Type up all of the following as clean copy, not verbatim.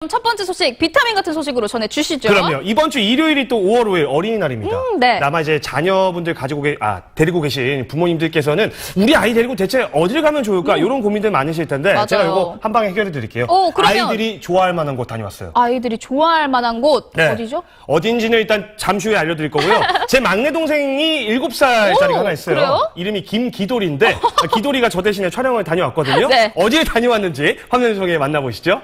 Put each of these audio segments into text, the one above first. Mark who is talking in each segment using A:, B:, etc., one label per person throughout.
A: 첫 번째 소식, 비타민 같은 소식으로 전해주시죠.
B: 그럼요. 이번 주 일요일이 또 5월 5일 어린이날입니다.
A: 네.
B: 아마 이제 자녀분들 데리고 계신 부모님들께서는 우리 아이 데리고 대체 어딜 가면 좋을까? 이런 고민들 많으실 텐데
A: 맞아요.
B: 제가 이거 한 방에 해결해 드릴게요.
A: 그러면
B: 아이들이 좋아할 만한 곳 다녀왔어요.
A: 아이들이 좋아할 만한 곳
B: 네.
A: 어디죠?
B: 어딘지는 일단 잠시 후에 알려드릴 거고요. 제 막내 동생이 7살짜리가 하나 있어요.
A: 그래요?
B: 이름이 김기돌인데 기돌이가 저 대신에 촬영을 다녀왔거든요.
A: 네.
B: 어디에 다녀왔는지 화면 속에 만나보시죠.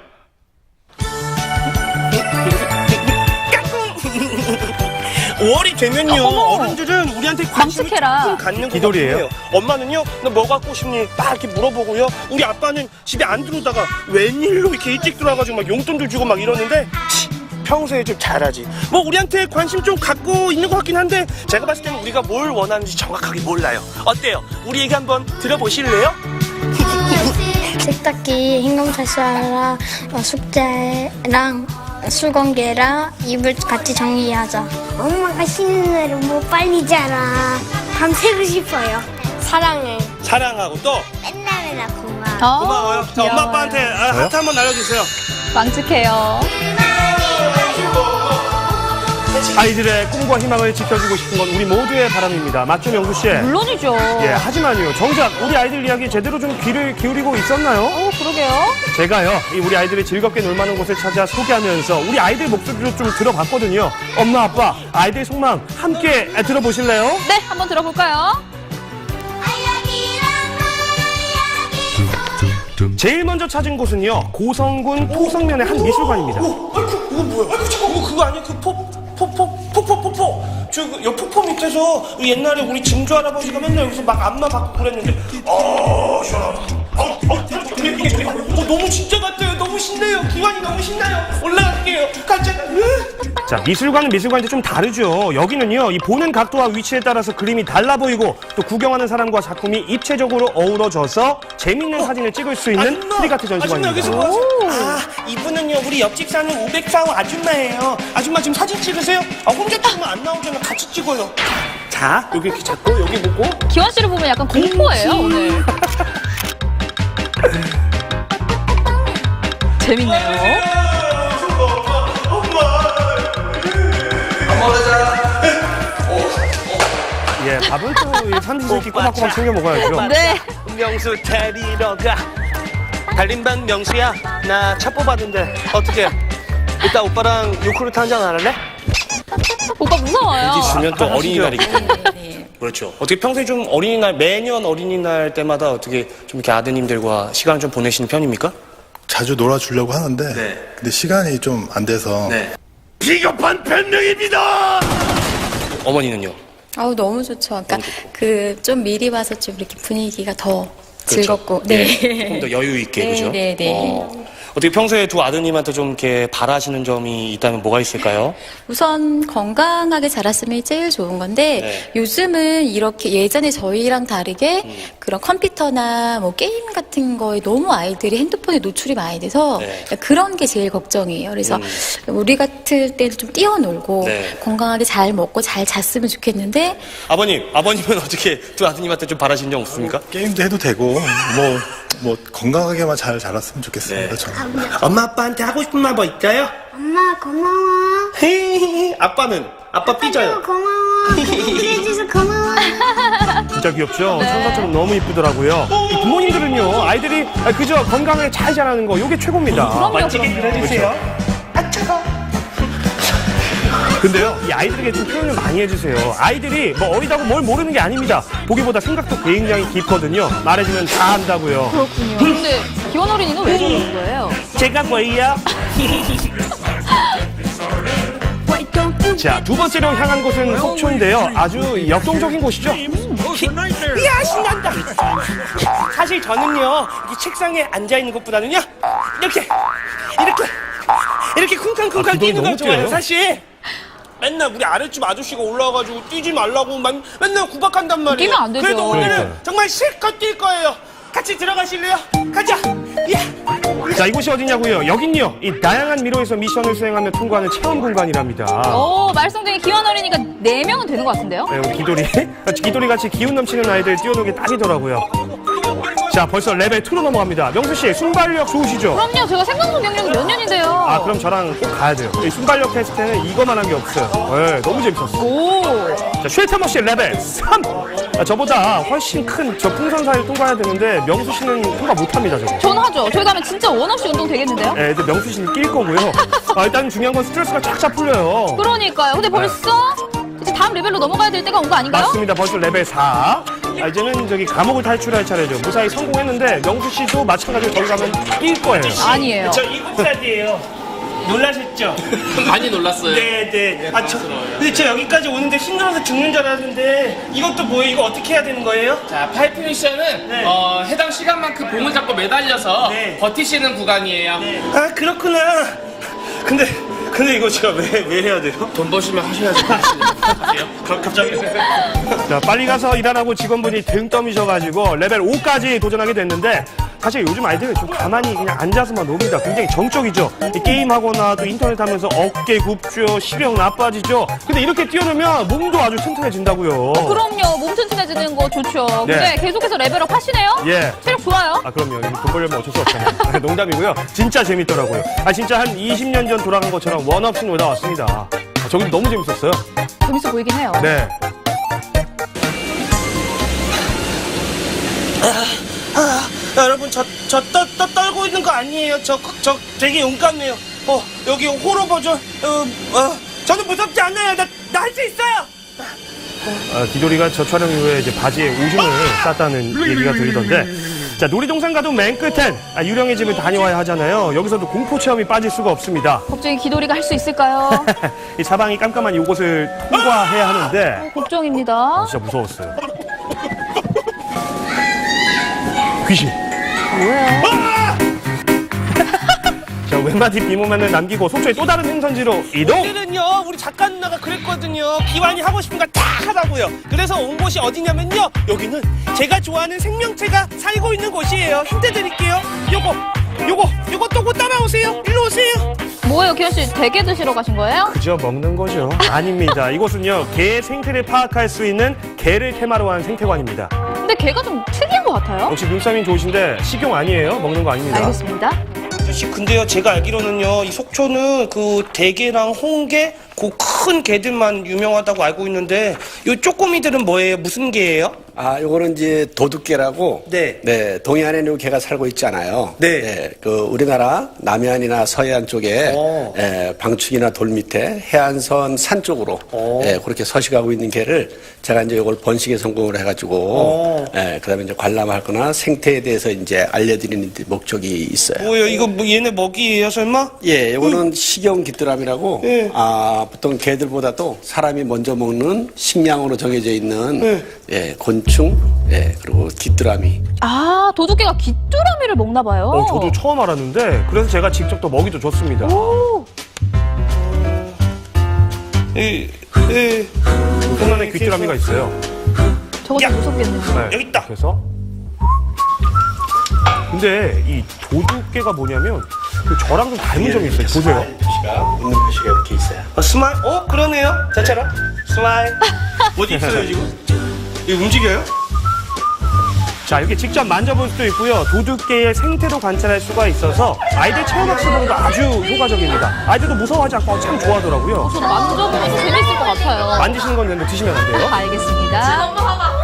C: 5월이 되면요, 어른들은 우리한테 관심을
A: 광숙해라.
C: 조금 갖는 것
B: 기돌이에요.
C: 같아요. 엄마는요, 너 뭐 갖고 싶니? 막 이렇게 물어보고요. 우리 아빠는 집에 안 들어오다가 웬일로 이렇게 일찍 들어와가지고 막 용돈도 주고 막 이러는데 평소에 좀 잘하지. 뭐 우리한테 관심 좀 갖고 있는 것 같긴 한데 제가 봤을 때는 우리가 뭘 원하는지 정확하게 몰라요. 어때요? 우리 얘기 한번 들어보실래요?
D: 세탁기, 흰검사시랑 숙제랑 수건개랑 이불 같이 정리하자. 엄마가 쉬는 날은 뭐 빨리 자라. 밤새고 싶어요. 사랑해.
C: 사랑하고 또
D: 맨날 고마워.
C: 고마워요. 자, 엄마 아빠한테 하트 한번 날려주세요.
A: 망측해요.
B: 아이들의 꿈과 희망을 지켜주고 싶은 건 우리 모두의 바람입니다. 맞죠, 명수 씨?
A: 물론이죠.
B: 예, 하지만요. 정작 우리 아이들 이야기 제대로 좀 귀를 기울이고 있었나요?
A: 그러게요.
B: 제가요, 이 우리 아이들이 즐겁게 놀만한 곳을 찾아 소개하면서 우리 아이들 목소리로 좀 들어봤거든요. 엄마, 아빠, 아이들 속마음 함께 들어보실래요?
A: 네, 한번 들어볼까요?
B: 제일 먼저 찾은 곳은요, 고성군 포성면의 한 미술관입니다.
C: 아이고, 이거 뭐야? 아이고, 잠깐, 그거 아니야? 그 폭포. 여 폭포 밑에서 옛날에 우리 증조 할아버지가 맨날 여기서 막 안마 받고 그랬는데, 시원하다. 너무 진짜 같아요. 너무 신나요. 기관이 너무 신나요. 올라갈게요. 가자.
B: 자, 미술관은 미술관인데 좀 다르죠. 여기는요, 이 보는 각도와 위치에 따라서 그림이 달라 보이고 또 구경하는 사람과 작품이 입체적으로 어우러져서 재밌는 사진을 찍을 수 있는 프리카트 전시관입니다.
C: 여기서 뭐 이분은요, 우리 옆집 사는 504호 아줌마예요. 아줌마 지금 사진 찍으세요? 혼자 찍으면 안 나오잖아. 같이 찍어요. 자, 여기 이렇게 잡고 여기 보고.
A: 기원 씨를 보면 약간 공포예요, 오늘. 재밌네요.
B: 예, 밥은 또 삼시세끼 꼬박꼬박 챙겨 먹어야죠.
A: 네.
C: 명수 데리러 가. 달림반 명수야, 나 차 뽑았는데 어떻게? 이따 오빠랑 요크루트 한잔 안 할래?
A: 오빠 무서워요.
C: 있으면 또 어린이날이기 때문에. 그렇죠. 어떻게 평소에 좀 어린이날, 매년 어린이날 때마다 어떻게 좀 이렇게 아드님들과 시간을 좀 보내시는 편입니까?
E: 자주 놀아주려고 하는데
C: 네.
E: 근데 시간이 좀 안 돼서
C: 비겁한 변명입니다! 어머니는요?
F: 아우 너무 좋죠. 그러니까 그 좀 미리 와서 좀 이렇게 분위기가 더 즐겁고,
C: 조금 더 여유 있게,
F: 네,
C: 그죠?
F: 네, 네.
C: 어떻게 평소에 두 아드님한테 좀 이렇게 바라시는 점이 있다면 뭐가 있을까요?
F: 우선 건강하게 자랐으면 제일 좋은 건데
C: 네.
F: 요즘은 이렇게 예전에 저희랑 다르게 그런 컴퓨터나 뭐 게임 같은 거에 너무 아이들이 핸드폰에 노출이 많이 돼서
C: 네.
F: 그런 게 제일 걱정이에요. 그래서 우리 같을 때는 좀 뛰어놀고
C: 네.
F: 건강하게 잘 먹고 잘 잤으면 좋겠는데
C: 아버님은 어떻게 두 아드님한테 좀 바라시는 점 없습니까?
E: 게임도 해도 되고 뭐 건강하게만 잘 자랐으면 좋겠습니다. 저는.
C: 엄마 아빠한테 하고 싶은 말 뭐 있어요?
D: 엄마 고마워.
C: 아빠는? 아빠 삐져요.
D: 고마워. 해줘서 고마워.
B: 진짜 귀엽죠? 천사처럼 너무 이쁘더라고요. 이 부모님들은요, 아이들이 그저 건강하게 잘 자라는 거, 요게 최고입니다.
C: 멋지게 그려주세요. 아, 차가.
B: 근데요, 이 아이들에게 좀 표현을 많이 해주세요. 아이들이 뭐 어리다고 뭘 모르는 게 아닙니다. 보기보다 생각도 굉장히 깊거든요. 말해주면 다 안다고요.
A: 그렇군요. 근데 기원 어린이는 왜 저러는 거예요?
B: 제가 뭐예요? 자, 두 번째로 향한 곳은 속초인데요. 아주 역동적인 곳이죠.
C: 이야, 신난다. 사실 저는요, 이 책상에 앉아있는 것보다는요, 이렇게 쿵쾅쿵쾅
B: 기동이
C: 뛰는 걸
B: 너무
C: 좋아해요,
B: 뛰어요?
C: 사실. 맨날 우리 아랫집 아저씨가 올라와가지고 뛰지 말라고 맨날 구박한단 말이에요.
A: 뛰면 안 되죠.
C: 그래도 오늘은
B: 그러니까요.
C: 정말 실컷 뛸 거예요. 같이 들어가실래요? 가자. 예.
B: 자, 이곳이 어디냐고요? 여긴요, 이 다양한 미로에서 미션을 수행하며 통과하는 체험 공간이랍니다.
A: 말썽쟁이 기원 어린이가 4명은 되는 것 같은데요?
B: 네, 기돌이 같이 기운 넘치는 아이들 뛰어놀기 딱이더라고요. 자, 벌써 레벨 2로 넘어갑니다. 명수 씨, 순발력 좋으시죠?
A: 그럼요. 제가 생방송 경력이 몇 년인데요.
B: 아, 그럼 저랑 꼭 가야 돼요. 이 순발력 테스트는 이거만 한 게 없어요. 네, 너무 재밌었어.
A: 오.
B: 자, 쉘터머 씨 레벨 3. 아, 저보다 훨씬 큰 저 풍선사를 통과해야 되는데 명수 씨는 통과 못합니다, 저거.
A: 전 하죠. 저희 가면 진짜 원 없이 운동 되겠는데요?
B: 네, 근데 명수 씨는 낄 거고요. 아, 일단 중요한 건 스트레스가 쫙쫙 풀려요.
A: 그러니까요. 근데 벌써 이제 다음 레벨로 넘어가야 될 때가 온 거 아닌가요?
B: 맞습니다. 벌써 레벨 4. 아, 이제는 저기 감옥을 탈출할 차례죠. 무사히 성공했는데 명수 씨도 마찬가지로 거기 가면 낄 거예요.
A: 아니에요.
C: 저 7살이에요. 놀라셨죠?
G: 많이 놀랐어요.
C: 네네. 근데 저 여기까지 오는데 힘들어서 죽는 줄 알았는데 이것도 뭐예요? 이거 어떻게 해야 되는 거예요?
G: 자, 파이프 미션은
C: 네.
G: 해당 시간만큼 봉을 잡고 매달려서
C: 네.
G: 버티시는 구간이에요.
C: 아 그렇구나. 근데 이거 제가 왜 해야 돼요?
G: 돈 버시면 하셔야죠. 하세요.
C: 갑자기?
B: 자, 빨리 가서 일하라고 직원분이 등 떠미셔가지고 레벨 5까지 도전하게 됐는데 사실 요즘 아이들은 좀 가만히 그냥 앉아서만 놉니다. 굉장히 정적이죠. 이 게임하거나 또 인터넷 하면서 어깨 굽죠. 시력 나빠지죠. 근데 이렇게 뛰어놀면 몸도 아주 튼튼해진다고요.
A: 그럼요. 몸 튼튼해지는 거 좋죠.
B: 네.
A: 근데 계속해서 레벨업 하시네요?
B: 예.
A: 체력 좋아요.
B: 아, 그럼요. 돈 벌려면 어쩔 수 없잖아요. 농담이고요. 진짜 재밌더라고요. 아, 진짜 한 20년 전 돌아간 것처럼 원 없이 놀다 왔습니다. 아, 저기 너무 재밌었어요.
A: 재밌어 보이긴 해요.
B: 네.
C: 여러분 저 떨고 있는 거 아니에요. 저 되게 용감해요. 여기 호러 버전. 저는 무섭지 않아요. 나 할 수 있어요.
B: 아, 기돌이가 저 촬영 이후에 이제 바지에 오줌을 쌌다는 얘기가 들리던데. 자, 놀이동산 가도 맨 끝엔 유령의 집을 다녀와야 하잖아요. 여기서도 공포 체험이 빠질 수가 없습니다.
A: 걱정이 기돌이가 할 수 있을까요?
B: 이 사방이 깜깜한 이곳을 통과해야 하는데
A: 걱정입니다.
B: 진짜 무서웠어요. 귀신.
A: 뭐예요?
B: 자, 웬마디 비모면을 남기고 속초의 또 다른 행선지로 이동.
C: 오늘은요 우리 작가 누나가 그랬거든요. 기완이 하고 싶은 거 다 하라고요. 그래서 온 곳이 어디냐면요, 여기는 제가 좋아하는 생명체가 살고 있는 곳이에요. 힌트 드릴게요. 요거 또 곧 따라오세요. 일로 오세요.
A: 뭐예요, 기현 씨? 대게 드시러 가신 거예요?
B: 그저 먹는 거죠. 아닙니다. 이곳은요, 개의 생태를 파악할 수 있는 개를 테마로 한 생태관입니다.
A: 근데 걔가 좀 특이한 것 같아요.
B: 역시 눈싸움이 좋으신데 식용 아니에요. 먹는 거 아닙니다.
A: 알겠습니다.
C: 아저씨, 근데요 제가 알기로는요 이 속초는 그 대게랑 홍게 그 큰 게들만 유명하다고 알고 있는데 요 쪼꼬미들은 뭐예요? 무슨 게예요?
H: 아, 요거는 이제 도둑개라고.
C: 네.
H: 동해안에는 개가 살고 있잖아요.
C: 네.
H: 그 우리나라 남해안이나 서해안 쪽에
C: 오.
H: 방축이나 돌 밑에 해안선 산 쪽으로 그렇게 서식하고 있는 개를 제가 이제 요걸 번식에 성공을 해가지고 그다음에 이제 관람하거나 생태에 대해서 이제 알려드리는 목적이 있어요.
C: 뭐예요? 이거 뭐 얘네 먹이예요 설마?
H: 예, 요거는 식용 귀뚜라미라고.
C: 예.
H: 보통 개들보다도 사람이 먼저 먹는 식량으로 정해져 있는 곤충, 그리고 귀뚜라미.
A: 아, 도둑개가 귀뚜라미를 먹나 봐요.
B: 저도 처음 알았는데 그래서 제가 직접 또 먹이도 줬습니다.
A: 오,
B: 손 안에 귀뚜라미가 있어요.
A: 저거 좀 무섭겠네요.
B: 네.
C: 여기 있다.
B: 그래서 근데 이 도둑개가 뭐냐면 저랑 좀 닮은 점이 있어요. 보세요.
H: 웃는 표시가 이렇게 있어요.
C: 스마일? 그러네요. 저처럼 스마일. 어디 있어요 지금? 이거 움직여요?
B: 자, 이렇게 직접 만져볼 수도 있고요. 도둑개의 생태도 관찰할 수가 있어서 아이들 체험학습으로도 아주 효과적입니다. 아이들도 무서워하지 않고 참 좋아하더라고요.
A: 저도 만져보면서 재밌을 것 같아요.
B: 만지시는 건 되는데 드시면 안 돼요.
A: 알겠습니다.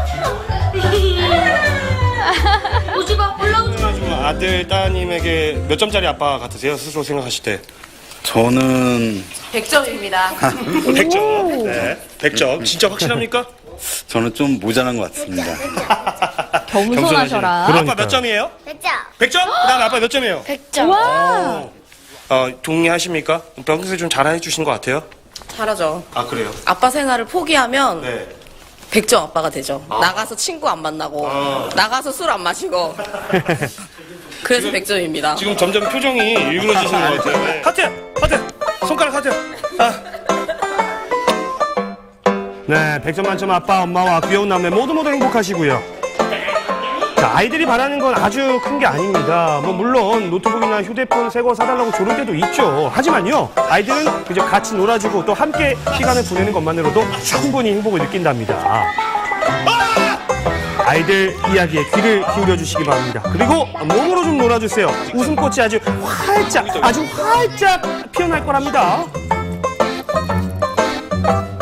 C: 지금 아들 따님에게 몇 점짜리 아빠 같으세요? 스스로 생각하실 때?
E: 저는
F: 100점입니다.
C: 100점. 네. 100점. 진짜 확실합니까?
E: 저는 좀 모자란 것 같습니다.
A: 겸손하셔라.
B: 그러니까요.
C: 아빠 몇 점이에요?
D: 100점.
C: 100점? 그다음 아빠 몇 점이에요?
D: 100점.
A: 와,
C: 동의하십니까? 평소에 좀 잘해 주신 것 같아요?
I: 잘하죠.
C: 아, 그래요?
I: 아빠 생활을 포기하면
C: 네.
I: 100점 아빠가 되죠. 나가서 친구 안 만나고 나가서 술 안 마시고 그래서 100점입니다.
C: 지금 점점 표정이 일그러지시는 것 같아요. 하트! 손가락 하트!
B: 네, 100점 만점 아빠, 엄마와 귀여운 남매 모두 행복하시고요. 자, 아이들이 바라는 건 아주 큰 게 아닙니다. 물론 노트북이나 휴대폰 새 거 사달라고 조를 때도 있죠. 하지만요, 아이들은 그저 같이 놀아주고 또 함께 시간을 보내는 것만으로도 충분히 행복을 느낀답니다. 아이들 이야기에 귀를 기울여 주시기 바랍니다. 그리고 몸으로 좀 놀아주세요. 웃음꽃이 아주 활짝 피어날 거랍니다.